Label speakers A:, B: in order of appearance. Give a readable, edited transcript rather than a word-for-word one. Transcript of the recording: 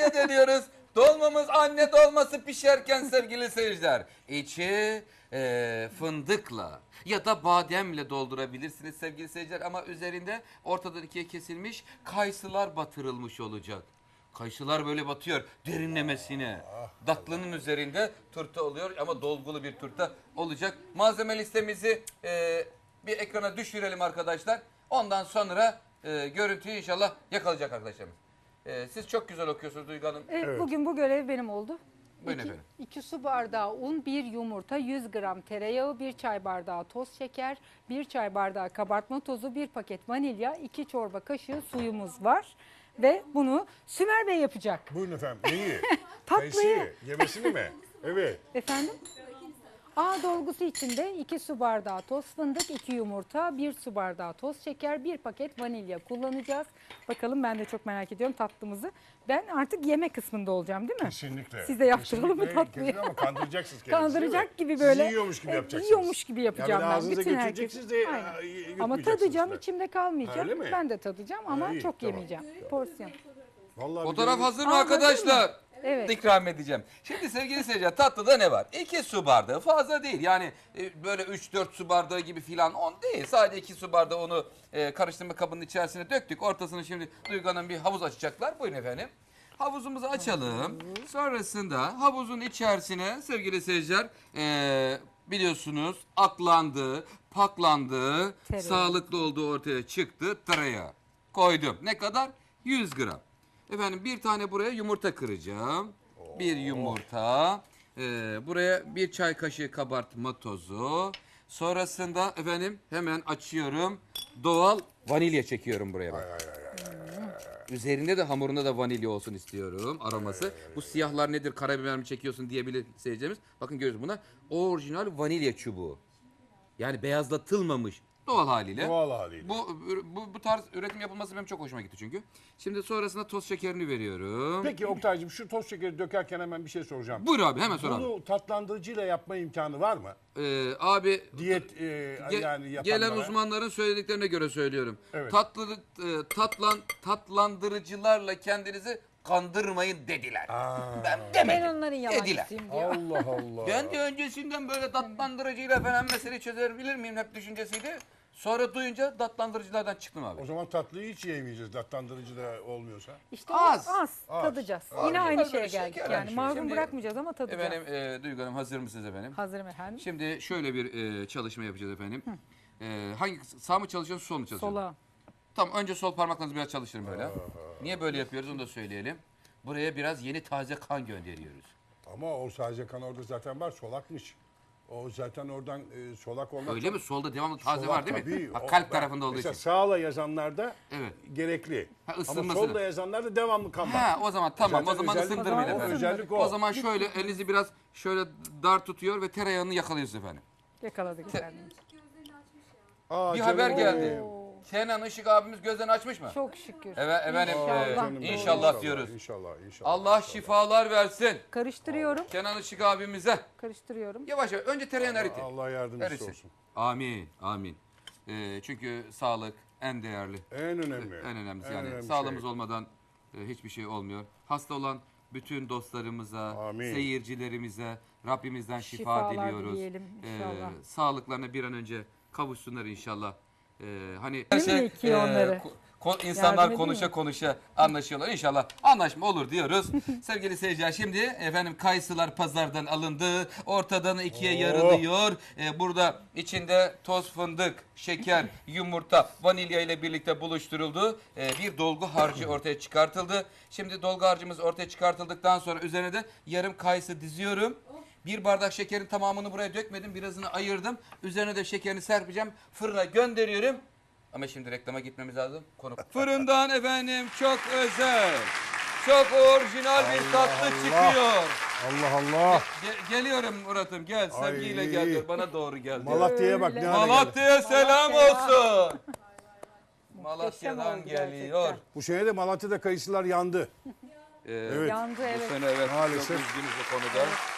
A: dolmaya dönüyoruz. Dolmamız anne dolması pişerken sevgili seyirciler. İçi fındıkla ya da bademle doldurabilirsiniz sevgili seyirciler. Ama üzerinde ortadan ikiye kesilmiş kayısılar batırılmış olacak. Kayısılar böyle batıyor derinlemesine. Tatlının üzerinde turta oluyor ama dolgulu bir turta olacak. Malzeme listemizi bir ekrana düşürelim arkadaşlar. Ondan sonra görüntüyü inşallah yakalayacak arkadaşlarımız. Siz çok güzel okuyorsunuz Duygu Hanım.
B: Evet. Bugün bu görev benim oldu.
A: Buyurun efendim.
B: 2 su bardağı un, 1 yumurta, 100 gram tereyağı, 1 çay bardağı toz şeker, 1 çay bardağı kabartma tozu, 1 paket vanilya, 2 çorba kaşığı suyumuz var. Ve bunu Sümer Bey yapacak.
C: Buyurun efendim. Neyi?
B: Tatlıyı.
C: Kayısıyı. Yemesini mi? Evet.
B: Efendim? A dolgusu içinde 2 su bardağı toz fındık, 2 yumurta, 1 su bardağı toz şeker, 1 paket vanilya kullanacağız. Bakalım, ben de çok merak ediyorum tatlımızı. Ben artık yeme kısmında olacağım değil mi?
C: Kesinlikle.
B: Siz de yaptıralım mı
C: Kesinlikle.
B: tatlıyı?
C: Ama kandıracaksınız kendinizi.
B: Kandıracak
C: değil mi?
B: gibi böyle.
C: Sizi yiyormuş gibi yapacaksınız.
B: Yiyormuş gibi yapacağım
C: yani
B: ben.
C: ağzınıza
B: Bütün
C: götüreceksiniz de
B: Aynen. Ama
C: yutmayacaksınız
B: tadacağım,
C: da.
B: içimde kalmayacak.
C: Öyle mi?
B: Ben de tadacağım ama
C: iyi,
B: çok
C: tamam.
B: yemeyeceğim. Porsiyon.
C: Vallahi
A: Fotoğraf
C: bir
A: hazır mı
B: Aa,
A: arkadaşlar?
B: hazır mı? Evet.
A: İkram edeceğim. Şimdi sevgili seyirciler, tatlıda ne var? 2 su bardağı, fazla değil. Yani böyle 3-4 su bardağı gibi filan, on değil. Sadece 2 su bardağı onu karıştırma kabının içerisine döktük. Ortasını şimdi Duygu Hanım bir havuz açacaklar. Buyurun efendim. Havuzumuzu açalım. Sonrasında havuzun içerisine sevgili seyirciler biliyorsunuz aklandı, paklandı,
B: Tereyağı.
A: sağlıklı olduğu ortaya çıktı. Tereyağı koydum. Ne kadar? 100 gram. Efendim bir tane buraya yumurta kıracağım. Bir yumurta. Buraya bir çay kaşığı kabartma tozu. Sonrasında efendim hemen açıyorum. Doğal vanilya çekiyorum buraya bak. Üzerinde de hamurunda da vanilya olsun istiyorum aroması. Bu siyahlar nedir, karabiber mi çekiyorsun diyebilir seyircilerimiz. Bakın görüyoruz buna. Orijinal vanilya çubuğu. Yani beyazlatılmamış. Doğal haliyle.
C: Doğal haliyle.
A: Bu tarz üretim yapılması benim çok hoşuma gitti çünkü. Şimdi sonrasında toz şekerini veriyorum.
C: Peki Oktay'cığım, şu toz şekeri dökerken hemen bir şey soracağım.
A: Buyur abi, hemen sor abi.
C: Bunu tatlandırıcıyla yapma imkanı var mı?
A: Abi
C: Diyet yani yapanlara.
A: gelen uzmanların söylediklerine göre söylüyorum.
C: Evet.
A: Tatlandırıcılarla kendinizi kandırmayın dediler. Ben
B: Ben
A: demedim.
B: onların
A: Dediler.
B: yalancısıyım diyor.
C: Allah Allah.
A: Ben de öncesinden böyle tatlandırıcıyla falan meseleyi çözebilir miyim hep düşüncesiydi. Sonra duyunca tatlandırıcılardan çıktım abi.
C: O zaman tatlıyı hiç yemeyeceğiz tatlandırıcı da olmuyorsa.
B: İşte
A: Az.
B: az tadacağız. Yine
A: Az.
B: aynı
A: Biraz
B: şeye
A: böyle
B: geldik
A: şeker
B: yani.
A: var.
B: Mahrum
A: Şimdi-
B: bırakmayacağız ama tadacağız.
A: Efendim Duygu Hanım, hazır mısınız efendim?
B: Hazırım efendim.
A: Şimdi şöyle bir çalışma yapacağız efendim. Hangi sağ mı çalışıyorsunuz, sol mu çalışıyorsunuz?
B: Sola.
A: Tamam, önce sol parmaklarınızı biraz çalıştırın böyle. Niye böyle yapıyoruz onu da söyleyelim. Buraya biraz yeni taze kan gönderiyoruz.
C: Ama o sadece kan orada zaten var, solakmış. O zaten oradan solak olmak.
A: Öyle mi? Solda devamlı taze
C: Solak
A: var değil mi?
C: tabii.
A: Ha,
C: O-
A: kalp
C: bak,
A: tarafında olduğu
C: mesela
A: için.
C: sağla yazanlarda
A: Evet.
C: gerekli.
A: Ha,
C: Ama
A: ısınmasını.
C: solda yazanlarda devamlı kan var.
A: Ha, o zaman tamam.
C: Zaten
A: O zaman
C: özellik-
A: ısındırmayın
B: O zaman
A: efendim.
C: özellik
A: O zaman şöyle elinizi biraz şöyle dar tutuyor ve tereyağını yakalıyorsunuz efendim.
B: Yakaladık efendim.
C: Aa,
A: Bir
C: canım
A: haber
C: benim.
A: geldi. Kenan Işık abimiz gözlerini açmış mı?
B: Çok şükür.
A: Evet efendim.
B: İnşallah.
C: Canım benim.
A: İnşallah diyoruz.
C: İnşallah.
A: Allah şifalar versin.
B: Karıştırıyorum.
A: Kenan Işık abimize.
B: Karıştırıyorum.
A: Yavaş yavaş. Önce tereyağını eritin.
C: Allah yardımcısı
A: Erisin.
C: olsun.
A: Amin. Amin. Çünkü sağlık en değerli.
C: En önemli.
A: En önemlisi
C: En
A: yani.
C: önemli
A: Sağlığımız
C: şey.
A: olmadan hiçbir şey olmuyor. Hasta olan bütün dostlarımıza,
C: Amin.
A: seyircilerimize Rabbimizden şifa
B: Şifalar
A: diliyoruz.
B: dileyelim inşallah.
A: Sağlıklarına bir an önce kavuşsunlar inşallah. Hani
B: Değil mi ki onları?
A: insanlar
B: Yardım edeyim
A: konuşa
B: mi?
A: konuşa anlaşıyorlar. İnşallah anlaşma olur diyoruz. Sevgili seyirciler, şimdi efendim kayısılar pazardan alındı. Ortadan ikiye yarılıyor. Burada içinde toz fındık, şeker, yumurta, vanilya ile birlikte buluşturuldu. Bir dolgu harcı ortaya çıkartıldı. Şimdi dolgu harcımız ortaya çıkartıldıktan sonra üzerine de yarım kayısı diziyorum. Bir bardak şekerin tamamını buraya dökmedim. Birazını ayırdım. Üzerine de şekerini serpeceğim. Fırına gönderiyorum. Ama şimdi reklama gitmemiz lazım. Fırından efendim çok özel, çok orijinal bir tatlı çıkıyor.
C: Allah Allah.
A: Geliyorum Murat'ım, gel. Sevgiyle
C: Ay.
A: gel diyor. Bana doğru gel diyor.
C: Malatya'ya bak ne hale geldi.
A: Malatya'ya selam
B: Malatya.
A: olsun. Malatya'dan
B: oldu
A: geliyor.
B: gerçekten.
C: Bu sene de Malatya'da kayısılar yandı.
A: Evet.
B: Yandı
A: Bu
B: evet.
A: sene evet.
C: Maalesef.
A: Çok üzgünüz bu konuda.